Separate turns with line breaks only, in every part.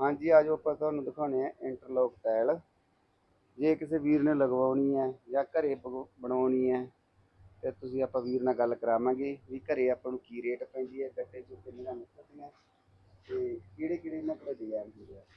हाँ जी, आज ਆਪਾਂ ਤੁਹਾਨੂੰ ਦਿਖਾਉਣੇ ਆ ਇੰਟਰਲੌਕ ਟਾਇਲ। ਜੇ ਕਿਸੇ ਵੀਰ ਨੇ ਲਗਵਾਉਣੀ ਹੈ ਜਾਂ ਘਰੇ ਬਣਾਉਣੀ ਹੈ ਤੇ ਤੁਸੀਂ ਆਪਾਂ ਵੀਰ ਨਾਲ ਗੱਲ ਕਰਾਵਾਂਗੇ ਵੀ ਘਰੇ ਆਪਾਂ ਨੂੰ ਕੀ ਰੇਟ ਪੈਂਦੀ ਹੈ, ਗੱਟੇ ਚੋਂ ਕਿੰਨੀਆਂ ਨਿਕਲਦੀਆਂ ਤੇ ਕਿਹੜੇ ਕਿਹੜੇ ਇਹਨਾਂ ਕੋਲ ਡਿਜ਼ਾਈਨ ਹੁੰਦੇ ਆ।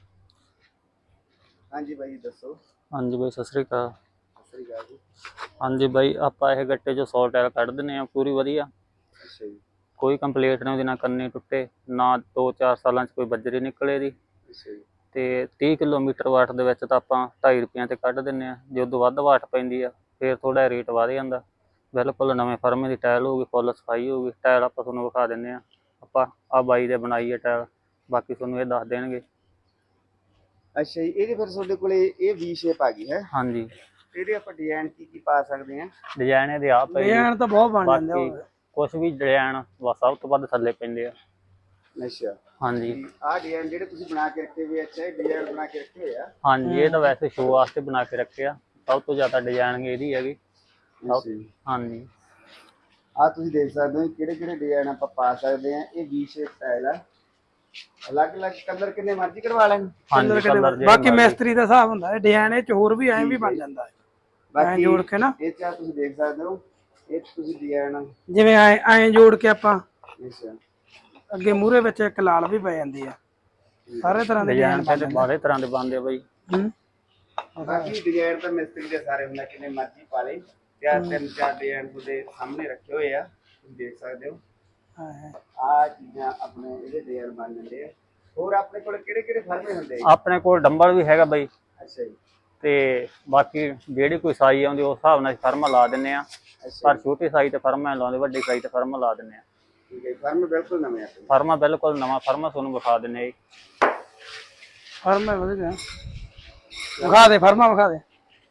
ਹਾਂਜੀ ਬਾਈ ਦੱਸੋ।
ਹਾਂਜੀ ਬਾਈ ਸਤਿ ਸ੍ਰੀ ਅਕਾਲ।
ਸਤਿ ਸ੍ਰੀ ਅਕਾਲ ਜੀ।
ਹਾਂਜੀ ਬਾਈ ਆਪਾਂ ਇਹ ਗੱਟੇ 'ਚੋਂ 100 ਟਾਇਲ ਕੱਢ ਦਿੰਦੇ ਆ ਪੂਰੀ ਵਧੀਆ।
ਅੱਛਾ ਜੀ।
ਕੋਈ ਕੰਪਲੀਟ ਨਹੀਂ ਉਹਦੀ, ਨਾ ਕੰਨੀ ਟੁੱਟੇ ਨਾ 2-4 ਸਾਲਾਂ 'ਚ ਕੋਈ ਬੱਜਰੀ ਨਿਕਲੇ ਦੀ।
ਅੱਛਾ ਜੀ।
ਤੇ 30 ਕਿਲੋਮੀਟਰ ਵਾਟ ਦੇ ਵਿੱਚ ਤਾਂ ਆਪਾਂ 2.5 ਰੁਪਈਆਂ ਤੇ ਕੱਢ ਦਿੰਦੇ ਆ। ਜੇ ਉਦੋਂ ਵੱਧ ਵਾਟ ਪੈਂਦੀ ਆ ਫਿਰ ਥੋੜਾ ਰੇਟ ਵਧ ਜਾਂਦਾ। ਬਿਲਕੁਲ ਨਵੇਂ ਫਰਮੇ ਦੀ ਟਾਇਲ ਹੋਊਗੀ, ਫੁੱਲ ਸਫਾਈ ਹੋਊਗੀ। ਟਾਇਲ ਆਪਾਂ ਤੁਹਾਨੂੰ ਵਿਖਾ ਦਿੰਦੇ ਆ। ਆਪਾਂ ਆ ਬਾਈ ਦੇ ਬਣਾਈ ਹੈ ਟਾਇਲ, ਬਾਕੀ ਤੁਹਾਨੂੰ ਇਹ ਦੱਸ ਦੇਣਗੇ।
ਅੱਛਾ ਜੀ, ਇਹਦੇ ਫਿਰ ਤੁਹਾਡੇ ਕੋਲੇ ਇਹ ਵੀ ਸ਼ੇਪ ਆ ਗਈ ਹੈ।
ਹਾਂਜੀ,
ਇਹਦੇ ਆਪਾਂ ਡਿਜ਼ਾਈਨ ਕੀ ਪਾ ਸਕਦੇ ਆ।
ਡਿਜ਼ਾਈਨ ਇਹਦੇ ਆ ਪਏ,
ਡਿਜ਼ਾਈਨ ਤਾਂ ਬਹੁਤ ਬਣ ਜਾਂਦੇ
ਬਾਕੀ ਕੁਛ ਵੀ ਡਿਜ਼ਾਈਨ ਸਭ ਤੋਂ ਵੱਧ ਥੱਲੇ ਪੈਂਦੇ ਆ।
ਅੱਛਾ
ਹਾਂਜੀ
ਆਹ ਡਿਜ਼ਾਈਨ ਜਿਹੜੇ ਤੁਸੀਂ ਬਣਾ ਕੇ ਰੱਖੇ ਹੋਏ, ਅੱਛਾ ਇਹ ਡਿਜ਼ਾਈਨ ਬਣਾ ਕੇ ਰੱਖੇ ਹੋਏ ਆ।
ਹਾਂਜੀ, ਇਹ ਤਾਂ ਵੈਸੇ ਸ਼ੋਅ ਵਾਸਤੇ ਬਣਾ ਕੇ ਰੱਖਿਆ। ਸਭ ਤੋਂ ਜ਼ਿਆਦਾ ਡਿਜ਼ਾਈਨ ਇਹਦੀ ਹੈਗੀ। ਹਾਂਜੀ,
ਆਹ ਤੁਸੀਂ ਦੇਖ ਸਕਦੇ ਹੋ ਕਿਹੜੇ ਕਿਹੜੇ ਡਿਜ਼ਾਈਨ ਆਪਾਂ ਪਾ ਸਕਦੇ ਆ। ਇਹ ਵੀ ਸ਼ੇਪ ਟਾਇਲ ਆ, ਅਲੱਗ ਅਲੱਗ ਕਲਰ ਕਿੰਨੇ ਮਰਜ਼ੀ ਕਰਵਾ ਲੈਣ।
ਹਾਂਜੀ ਕਲਰ
ਬਾਕੀ ਮਿਸਤਰੀ ਦਾ ਹਿਸਾਬ ਹੁੰਦਾ ਹੈ। ਡਿਜ਼ਾਈਨ ਇਹ ਚ ਹੋਰ ਵੀ ਐਂ ਵੀ ਬਣ ਜਾਂਦਾ ਹੈ,
ਬਾਕੀ
ਜੋੜ ਕੇ ਨਾ।
ਇਹ ਚ ਤੁਸੀਂ ਦੇਖ ਸਕਦੇ ਹੋ ਇਹ ਤੁਸੀਂ ਡਿਜ਼ਾਈਨ
ਜਿਵੇਂ ਐਂ ਜੋੜ ਕੇ ਆਪਾਂ
ਅੱਛਾ
ਅੱਗੇ ਮੂਹਰੇ ਵਿੱਚ ਇੱਕ ਲਾਲ ਵੀ ਪੈ ਜਾਂਦੀ ਆ। ਸਾਰੇ ਤਰ੍ਹਾਂ ਦੇ
ਡਿਜ਼ਾਈਨ ਤੇ ਬਾਰੇ ਤਰ੍ਹਾਂ ਦੇ ਬਣਦੇ ਆ ਬਾਈ।
ਬਾਕੀ ਡਿਜ਼ਾਈਨ ਤਾਂ ਮਿਸਤਰੀ ਦੇ ਸਾਰੇ ਹੁੰਦਾ, ਕਿੰਨੇ ਮਰਜ਼ੀ ਪਾ ਲੇ। ਤੇ ਆਹ 3-4 ਡਿਜ਼ਾਈਨ ਤੁਹਾਡੇ ਸਾਹਮਣੇ ਰੱਖੇ ਹੋਏ ਆ, ਤੁਸੀਂ ਦੇਖ ਸਕਦੇ ਹੋ। ਆਹ ਚੀਜ਼ਾਂ ਆਪਣੇ ਇਹਦੇ ਡਿਜ਼ਾਈਨ ਬਣ ਜਾਂਦੇ ਆ। ਹੋਰ ਆਪਣੇ ਕੋਲ ਕਿਹੜੇ ਕਿਹੜੇ ਫਰਮੇ ਹੁੰਦੇ ਆ?
ਆਪਣੇ ਕੋਲ ਡੰਬਲ ਵੀ ਹੈਗਾ ਬਾਈ।
ਅੱਛਾ ਜੀ।
ਤੇ ਬਾਕੀ ਜਿਹੜੀ ਕੋਈ ਸਾਈਜ਼ ਆਉਂਦੀ ਉਸ ਹਿਸਾਬ ਨਾਲ ਫਰਮਾ ਲਾ ਦਿੰਨੇ ਆ। ਪਰ ਛੋਟੀ ਸਾਈਜ਼ ਤੇ ਫਰਮਾ ਲਾਉਂਦੇ, ਵੱਡੀ ਸਾਈਜ਼ ਤੇ ਫਰਮਾ ਲਾ ਦਿੰਨੇ ਆ।
ਠੀਕ ਹੈ, ਫਰਮ ਬਿਲਕੁਲ ਨਵੇਂ ਆ।
ਫਰਮਾ ਬਿਲਕੁਲ ਨਵਾਂ ਫਰਮਾ ਤੁਹਾਨੂੰ ਵਿਖਾ ਦਿੰਨੇ ਆ।
ਫਰਮਾ ਵਧੀਆ ਵਿਖਾ ਦੇ, ਫਰਮਾ ਵਿਖਾ ਦੇ।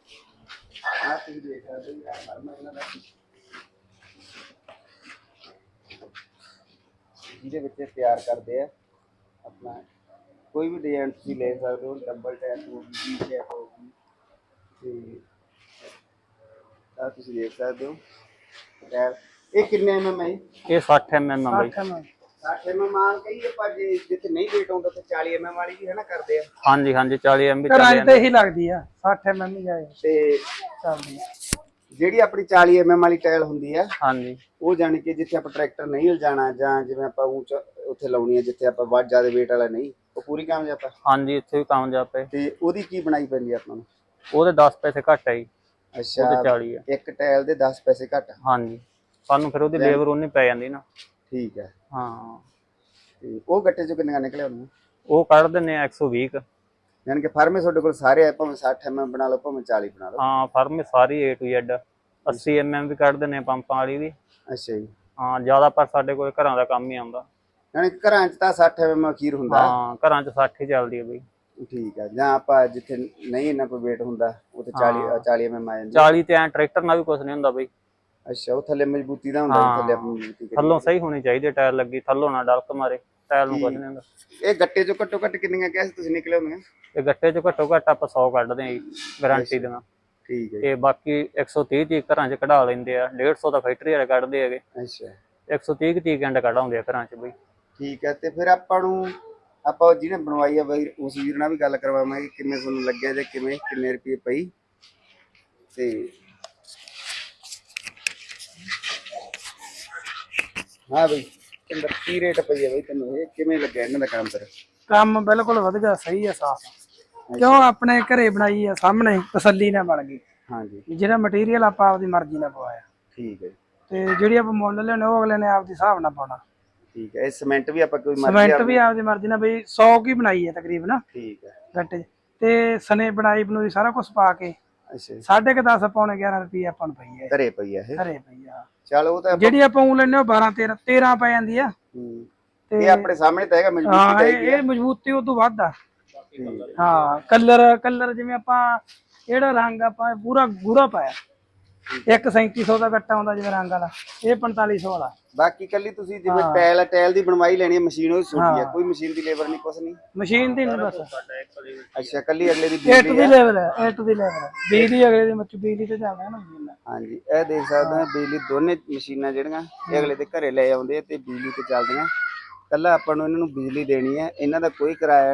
ਆਹ ਤੁਸੀਂ ਦੇਖ ਸਕਦੇ ਹੋ ਫਰਮਾ ਇਹਨਾਂ ਦਾ, ਜਿਹਦੇ ਵਿੱਚ ਤਿਆਰ ਕਰਦੇ ਆ ਆਪਣਾ ਕੋਈ ਵੀ ਡਿਜ਼ਾਈਨ ਤੁਸੀਂ ਲੈ ਸਕਦੇ ਹੋ। ਡਬਲ ਟੈਪ ਹੋ ਗਈ, ਵੀ ਟੈਪ ਹੋ ਗਈ, ਤੇ ਆਹ ਤੁਸੀਂ ਦੇਖ ਸਕਦੇ ਹੋ ਟੈਪ। ਇਹ ਕਿੰਨੇ mm ਹੈ?
ਇਹ 60 mm ਆ ਬਾਈ।
60 mm ਆ ਕਈ ਆਪਾਂ ਜੇ ਜਿੱਥੇ ਨਹੀਂ ਵੇਟ ਆਉਂਦਾ ਤੇ 40 mm ਵਾਲੀ ਵੀ ਹੈ ਨਾ ਕਰਦੇ ਆ।
ਹਾਂਜੀ ਹਾਂਜੀ 40 mm
ਘਰਾਂ 'ਚ ਤਾਂ ਇਹੀ ਲੱਗਦੀ ਆ, 60 mm ਹੀ ਜਾਏ
ਤੇ
ਚੱਲਦੀ ਆ।
ਜਿਹੜੀ ਆਪਣੀ 40 mm ਵਾਲੀ ਟਾਇਲ ਹੁੰਦੀ ਆ,
ਹਾਂਜੀ
ਉਹ ਜਾਣੀ ਕਿ ਜਿੱਥੇ ਆਪਾਂ ਟਰੈਕਟਰ ਨਹੀਂ ਲਿਜਾਣਾ ਜਾਂ ਜਿਵੇਂ ਆਪਾਂ ਉੱਥੇ ਲਾਉਣੀ ਹੈ ਜਿੱਥੇ ਆਪਾਂ ਵੱਧ ਜ਼ਿਆਦਾ ਵੇਟ ਵਾਲਾ ਨਹੀਂ, ਉਹ ਪੂਰੀ ਕਾਮਯਾਬ ਆ।
ਹਾਂਜੀ ਇੱਥੇ ਵੀ ਕਾਮਯਾਬ ਹੈ।
ਤੇ ਉਹਦੀ ਕੀ ਬਣਾਈ ਪੈਂਦੀ ਆ ਆਪਾਂ ਨੂੰ?
ਉਹਦੇ 10 ਪੈਸੇ ਘੱਟ ਹੈ ਜੀ।
ਅੱਛਾ,
ਉਹਦੇ 40 ਆ।
ਇੱਕ ਟਾਇਲ ਦੇ 10 ਪੈਸੇ ਘੱਟ।
ਹਾਂਜੀ, ਸਾਨੂੰ ਫਿਰ ਉਹਦੀ ਲੇਬਰ ਉਨੀ ਪੈ ਜਾਂਦੀ ਨਾ।
ਠੀਕ ਹੈ।
ਹਾਂ,
ਤੇ ਉਹ ਗੱਟੇ ਚੋਂ ਕਿੰਨੀਆਂ ਨਿਕਲੇ ਉਹਨੂੰ?
ਉਹ ਕੱਢ ਦਿੰਨੇ ਆ 120।
ਯਾਨੀ ਕਿ ਫਰਮੇ ਤੁਹਾਡੇ ਕੋਲ ਸਾਰੇ ਆ, ਭਾਵੇਂ 60 mm ਬਣਾ ਲਓ ਭਾਵੇਂ 40 ਬਣਾ ਲਓ।
ਹਾਂ ਫਰਮੇ ਸਾਰੀ A to Z 80 mm ਵੀ ਕੱਢ ਦਿੰਨੇ ਆ ਪੰਪਾਂ ਵਾਲੀ ਵੀ।
ਅੱਛਾ ਜੀ।
ਹਾਂ ਜ਼ਿਆਦਾ ਪਰ ਸਾਡੇ ਕੋਲ ਘਰਾਂ ਦਾ ਕੰਮ ਹੀ ਆਉਂਦਾ।
ਯਾਨੀ ਘਰਾਂ 'ਚ ਤਾਂ 60 mm ਅਖੀਰ ਹੁੰਦਾ।
ਹਾਂ ਘਰਾਂ 'ਚ 60 ਹੀ ਚੱਲਦੀ ਹੈ ਬਈ।
ਠੀਕ ਹੈ, ਜਾਂ ਆਪਾਂ ਜਿੱਥੇ ਨਹੀਂ ਇੰਨਾ ਕੋਈ ਵੇਟ ਹੁੰਦਾ ਉੱਥੇ 40 mm ਆ ਜਾਂਦੀ।
40 ਤੇ ਐ ਟਰੈਕਟਰ ਨਾਲ ਵੀ ਕੁਝ ਨਹੀਂ ਹੁੰਦਾ ਬਈ।
ਅੱਛਾ, ਉਹ ਥੱਲੇ ਮਜ਼ਬੂਤੀ ਦਾ ਹੁੰਦਾ, ਥੱਲੇ ਆਪਣੀ ਮਜ਼ਬੂਤੀ ਕਰੀ।
ਥੱਲੋਂ ਸਹੀ ਹੋਣੀ ਚਾਹੀਦੀ ਟਾਇਰ ਲੱਗੀ, ਥੱਲੋਂ ਨਾ ਡਲਕ ਮਾਰੇ। ਟਾਇਰ ਨੂੰ ਕੁਝ ਨਹੀਂ ਹੁੰਦਾ।
ਇਹ ਗੱਟੇ ਚੋਂ ਘੱਟੋ ਘੱਟ ਕਿੰਨੀਆਂ ਕਿਹਾ ਸੀ ਤੁਸੀਂ ਨਿਕਲੇ ਹੋਣਗੇ?
ਤੇ ਗੱਟੇ 'ਚ ਘੱਟੋ ਘੱਟ ਆਪਾਂ 100 ਕੱਢਦੇ ਆਂ ਜੀ, ਗਾਰੰਟੀ ਦੀਆਂ।
ਠੀਕ ਹੈ।
ਤੇ ਬਾਕੀ 130 ਚੀਜ਼ ਘਰਾਂ 'ਚ ਕਢਾ ਲੈਂਦੇ ਆ, 150 ਦਾ ਫੈਕਟਰੀ ਵਾਲੇ ਕੱਢਦੇ ਹੈਗੇ।
ਅੱਛਾ,
130 ਚੀਜ਼ ਐਂਡ ਕਢਾਉਂਦੇ ਆ ਘਰਾਂ 'ਚ ਬਈ।
ਠੀਕ ਹੈ। ਤੇ ਫਿਰ ਆਪਾਂ ਨੂੰ ਆਪਾਂ ਜਿਹਨੇ ਬਣਵਾਈ ਆ ਬਈ ਉਸ ਵੀਰ ਨਾਲ ਵੀ ਗੱਲ ਕਰਵਾਵਾਂਗੇ ਕਿਵੇਂ ਤੁਹਾਨੂੰ ਲੱਗਿਆ ਤੇ ਕਿਵੇਂ ਕਿੰਨੇ ਰੁਪਏ ਪਈ। ਤੇ ਹਾਂ ਬਈ ਕਿੰਨਾ ਕੀ ਰੇਟ ਪਈ ਹੈ ਬਈ ਤੈਨੂੰ, ਇਹ ਕਿਵੇਂ ਲੱਗਿਆ ਇਹਨਾਂ ਦਾ ਕੰਮ? ਫਿਰ
ਕੰਮ ਬਿਲਕੁਲ ਵਧੀਆ, ਸਹੀ ਆ, ਸਾਫ। ਕਿਉਂ ਆਪਣੇ ਘਰੇ ਬਣਾਈ ਆ, ਸਾਹਮਣੇ ਤਸੱਲੀ ਨਾਲ ਬਣ ਗਈ।
ਹਾਂਜੀ,
ਜਿਹੜਾ ਮਟੀਰੀਅਲ ਆਪਾਂ ਆਪਦੀ ਮਰਜ਼ੀ ਨਾਲ ਪਵਾਇਆ।
ਠੀਕ ਹੈ।
ਤੇ ਜਿਹੜੀ ਆਪਾਂ ਮੁੱਲ ਲੈਣੇ ਉਹ ਅਗਲੇ ਨੇ ਆਪਦੀ ਹਿਸਾਬ ਨਾਲ ਪਾਉਣਾ।
ਠੀਕ ਹੈ। ਇਹ ਸੀਮੈਂਟ ਵੀ ਆਪਾਂ ਕੋਈ ਮਰਜ਼ੀ
ਸੀਮੈਂਟ ਵੀ ਆਪਦੀ ਮਰਜ਼ੀ ਨਾਲ ਬਈ 100 ਕੀ ਬਣਾਈ ਹੈ ਤਕਰੀਬਨ
ਠੀਕ ਹੈ
ਗੱਟੇ ਤੇ ਸਨੇ ਬਣਾਈ ਬਣੂਈ ਸਾਰਾ ਕੁਝ ਪਾ ਕੇ।
ਅੱਛਾ,
10.5 ਪੌਣੇ 11 ਰੁਪਏ ਆਪਾਂ ਨੂੰ ਪਈ ਹੈ।
ਘਰੇ ਪਈ ਆ ਇਹ?
ਘਰੇ ਪਈ ਆ।
ਚਲ ਉਹ ਤਾਂ
ਜਿਹੜੀ ਆਪਾਂ ਉਹ ਲੈਣੇ ਉਹ 12-13 ਪੈ ਜਾਂਦੀ ਆ।
ਇਹ ਆਪਣੇ ਸਾਹਮਣੇ ਤਾਂ ਹੈਗਾ, ਮਜ਼ਬੂਤੀ ਚਾਹੀਦੀ ਆ।
ਇਹ ਮਜ਼ਬੂਤੀ ਉਹ ਤੋਂ ਵੱਧ ਆ। ਹਾਂ, ਕਲਰ ਜਿਵੇਂ ਆਪਾਂ ਜਿਹੜਾ ਰੰਗ ਆਪਾਂ ਪੂਰਾ ਗੂੜਾ ਪਾਇਆ, 1.37 ਦਾ ਗੱਟਾ ਆਉਂਦਾ ਜਿਵੇਂ ਰੰਗ ਵਾਲਾ, ਇਹ 4500 ਵਾਲਾ।
ਬਾਕੀ ਕੱਲੀ ਤੁਸੀਂ ਜਿਵੇਂ ਟਾਇਲ ਦੀ ਬਣਵਾਈ ਲੈਣੀ ਹੈ, ਮਸ਼ੀਨ ਉਹ ਛੋਟੀ ਆ, ਕੋਈ ਮਸ਼ੀਨ ਦੀ ਲੇਬਰ ਨਹੀਂ, ਕੁਛ ਨਹੀਂ।
ਮਸ਼ੀਨ ਦੀ ਨਹੀਂ ਬਸ।
ਅੱਛਾ, ਕੱਲੀ ਅਗਲੇ ਦੀ
A to Z ਲੈਵਲ ਹੈ, A to Z ਲੈਵਲ ਹੈ। ਬਿਜਲੀ ਅਗਲੇ ਦੀ ਬਿਜਲੀ ਤੇ ਚੱਲਦਾ ਨਾ ਮਸ਼ੀਨ।
ਹਾਂਜੀ, ਇਹ ਦੇਖ ਸਕਦੇ ਹੋ ਬਿਜਲੀ ਦੋਨੇ ਮਸ਼ੀਨਾਂ ਜਿਹੜੀਆਂ ਇਹ ਅਗਲੇ ਦੇ ਘਰੇ ਲੈ ਆਉਂਦੇ ਤੇ ਬਿਜਲੀ ਤੇ ਚੱਲਦੀਆਂ। ਕੱਲਾ ਆਪਾਂ ਨੂੰ ਇਹਨਾਂ ਨੂੰ ਬਿਜਲੀ ਦੇਣੀ ਹੈ, ਇਹਨਾਂ ਦਾ ਕੋਈ ਕਿਰਾਇਆ ਨਹੀਂ।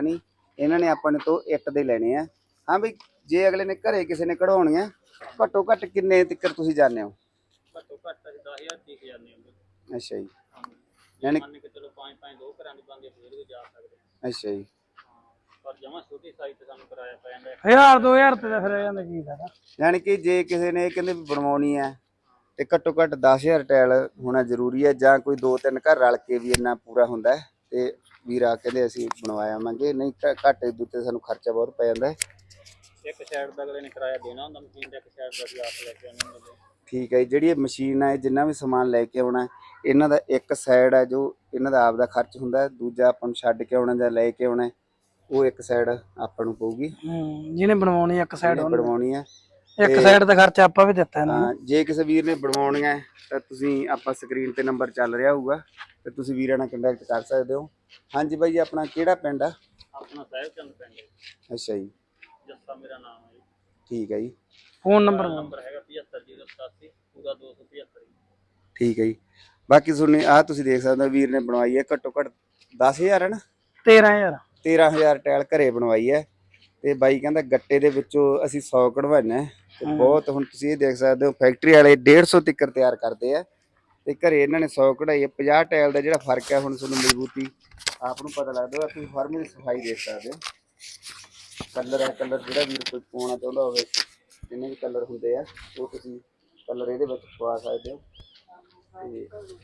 ਇਹਨਾਂ ਨੇ ਆਪਾਂ ਨੇ ਤੋਂ ਇੱਟ ਦੇ ਲੈਣੇ ਆ। ਹਾਂ ਬਈ ਜੇ ਅਗਲੇ ਨੇ ਘਰੇ ਕਿਸੇ ਨੇ ਕਢਾਉਣੀਆਂ ਘੱਟੋ ਘੱਟ ਕਿੰਨੇ ਤੱਕ ਤੁਸੀਂ ਜਾਣਦੇ ਹੋ?
ਘੱਟੋ ਘੱਟ ਅਸੀਂ 10,000 ਤੀਕ ਜਾਂਦੇ ਹਾਂ।
ਅੱਛਾ ਜੀ।
ਯਾਨੀ ਮੰਨ ਕੇ ਚਲੋ 5-5 ਦੋ ਘਰਾਂ ਦੀ ਬੰਦੇ ਫੇਰ ਵੀ ਜਾ ਸਕਦੇ ਹਾਂ।
ਅੱਛਾ ਜੀ।
ਪਰ ਜਮਾਂ ਛੋਟੀ ਸਾਈਜ਼ ਤੇ ਸਾਨੂੰ ਕਿਰਾਇਆ ਪੈ ਜਾਂਦਾ
1000-2000 ਤੇ ਤਾਂ ਫਿਰ ਇਹ ਜਾਂਦਾ ਕੀ ਫਾਇਦਾ।
ਯਾਨੀ ਕਿ ਜੇ ਕਿਸੇ ਨੇ ਇਹ ਕਹਿੰਦੇ ਵੀ ਬਣਵਾਉਣੀ ਹੈ ਤੇ ਘੱਟੋ ਘੱਟ 10,000 ਟਾਇਲ ਹੋਣਾ ਜ਼ਰੂਰੀ ਹੈ, ਜਾਂ ਕੋਈ 2-3 ਘਰ ਰਲ ਕੇ ਵੀ ਇੰਨਾ ਪੂਰਾ ਹੁੰਦਾ ਹੈ ਤੇ ਵੀਰ ਆ ਕਹਿੰਦੇ ਅਸੀਂ ਬਣਵਾਇਆ ਆਵਾਂਗੇ। ਨਹੀਂ ਘੱਟ ਇਦੋਂ ਤੇ ਸਾਨੂੰ ਖਰਚਾ ਬਹੁਤ ਪੈ ਜਾਂਦਾ ਹੈ।
ਇੱਕ ਸਾਈਡ ਦਾ ਅਗਲੇ ਨੇ ਕਿਰਾਇਆ ਦੇਣਾ ਹੁੰਦਾ ਮਸ਼ੀਨ ਦਾ, ਇੱਕ ਸਾਈਡ ਦਾ ਅਸੀਂ ਆਪ ਲੈ ਕੇ ਆਉਣਾ ਹੁੰਦਾ।
ਠੀਕ ਹੈ ਜੀ। ਜਿਹੜੀ ਇਹ ਮਸ਼ੀਨ ਹੈ ਜਿੰਨਾ ਵੀ ਸਮਾਨ ਲੈ ਕੇ ਆਉਣਾ ਇਹਨਾਂ ਦਾ ਇੱਕ ਸਾਈਡ ਹੈ ਜੋ ਇਹਨਾਂ ਦਾ ਆਪ ਦਾ ਖਰਚ ਹੁੰਦਾ, ਦੂਜਾ ਆਪਾਂ ਨੂੰ ਛੱਡ ਕੇ ਆਉਣਾ ਜਾਂ ਲੈ ਕੇ ਆਉਣਾ ਉਹ ਇੱਕ ਸਾਈਡ ਆਪਾਂ ਨੂੰ ਪਊਗੀ।
ਜਿਹਨੇ ਬਣਵਾਉਣੀ ਇੱਕ ਸਾਈਡ
ਬਣਵਾਉਣੀ ਹੈ,
ਇੱਕ ਸਾਈਡ ਦਾ ਖਰਚਾ ਆਪਾਂ ਵੀ ਦਿੱਤਾ ਇਹਨਾਂ ਨੂੰ।
ਜੇ ਕਿਸੇ ਵੀਰ ਨੇ ਬਣਵਾਉਣੀਆਂ ਤਾਂ ਤੁਸੀਂ ਆਪਾਂ ਸਕਰੀਨ ਤੇ ਨੰਬਰ ਚੱਲ ਰਿਹਾ ਹੋਊਗਾ ਤੇ ਤੁਸੀਂ ਵੀਰਾਂ ਨਾਲ ਕੰਟੈਕਟ ਕਰ ਸਕਦੇ ਹੋ। ਹਾਂਜੀ ਬਾਈ ਆਪਣਾ ਕਿਹੜਾ ਪਿੰਡ ਆ?
ਆਪਣਾ ਸਾਹਿਬਚੰਦ ਪਿੰਡ ਹੈ।
ਅੱਛਾ ਜੀ।
ਜੱਸਾ ਮੇਰਾ ਨਾਮ ਹੈ ਜੀ।
ਠੀਕ ਹੈ ਜੀ।
ਫੋਨ ਨੰਬਰ
ਹੈਗਾ 7508 ਪੂਰਾ 275।
ਠੀਕ ਹੈ ਜੀ। ਬਾਕੀ ਸੁਣਨੇ ਆ ਤੁਸੀਂ ਦੇਖ ਸਕਦੇ ਹੋ ਵੀਰ ਨੇ ਬਣਵਾਈ ਹੈ ਘੱਟੋ ਘੱਟ 10,000 ਹੈ ਨਾ 13,000 ਟਾਇਲ ਘਰੇ ਬਣਵਾਈ ਹੈ ਤੇ ਬਾਈ ਕਹਿੰਦਾ ਗੱਟੇ ਦੇ ਵਿੱਚੋਂ ਅਸੀਂ 100 ਕਢਵਾਉਣਾ ਤੇ ਬਹੁਤ। ਹੁਣ ਤੁਸੀਂ ਇਹ ਦੇਖ ਸਕਦੇ ਹੋ ਫੈਕਟਰੀ ਵਾਲੇ 150 ਤੱਕ ਤਿਆਰ ਕਰਦੇ ਆ ਤੇ ਘਰੇ ਇਹਨਾਂ ਨੇ 100 ਕਢਾਈ ਹੈ। 50 ਟਾਇਲ ਦਾ ਜਿਹੜਾ ਫਰਕ ਹੈ ਹੁਣ ਤੁਹਾਨੂੰ ਮਜ਼ਬੂਤੀ ਆਪ ਨੂੰ ਪਤਾ ਲੱਗਦਾ। ਤੁਸੀਂ ਫਰਮ ਦੀ ਸਫਾਈ ਦੇਖ ਸਕਦੇ ਹੋ। ਕਲਰ ਹੈ, ਕਲਰ ਜਿਹੜਾ ਵੀਰ ਕੋਈ ਪਾਉਣਾ ਚਾਹੁੰਦਾ ਹੋਵੇ ਜਿੰਨੇ ਵੀ ਕਲਰ ਹੁੰਦੇ ਆ ਉਹ ਤੁਸੀਂ ਕਲਰ ਇਹਦੇ ਵਿੱਚ ਪਵਾ ਸਕਦੇ ਹੋ। ਤੇ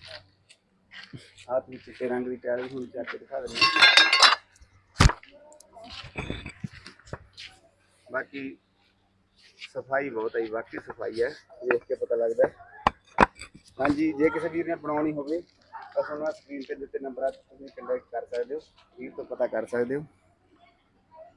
ਆਹ ਤੁਸੀਂ ਚਿੱਟੇ ਰੰਗ ਦੀ ਟਾਇਲ ਵੀ ਹੁਣ ਚੱਕ ਕੇ ਦਿਖਾ ਦਿੰਦੇ ਹਾਂ। ਬਾਕੀ ਸਫਾਈ ਬਹੁਤ ਹੈ ਜੀ, ਬਾਕੀ ਸਫਾਈ ਹੈ, ਦੇਖ ਕੇ ਪਤਾ ਲੱਗਦਾ। ਹਾਂਜੀ ਜੇ ਕਿਸੇ ਵੀਰ ਨੇ ਬਣਾਉਣੀ ਹੋਵੇ ਤਾਂ ਤੁਹਾਨੂੰ ਸਕਰੀਨ ਤੇ ਦਿੱਤੇ ਨੰਬਰਾਂ ਤੇ ਤੁਸੀਂ ਕੰਟੈਕਟ ਕਰ ਸਕਦੇ ਹੋ, ਵੀਰ ਤੋਂ ਪਤਾ ਕਰ ਸਕਦੇ ਹੋ।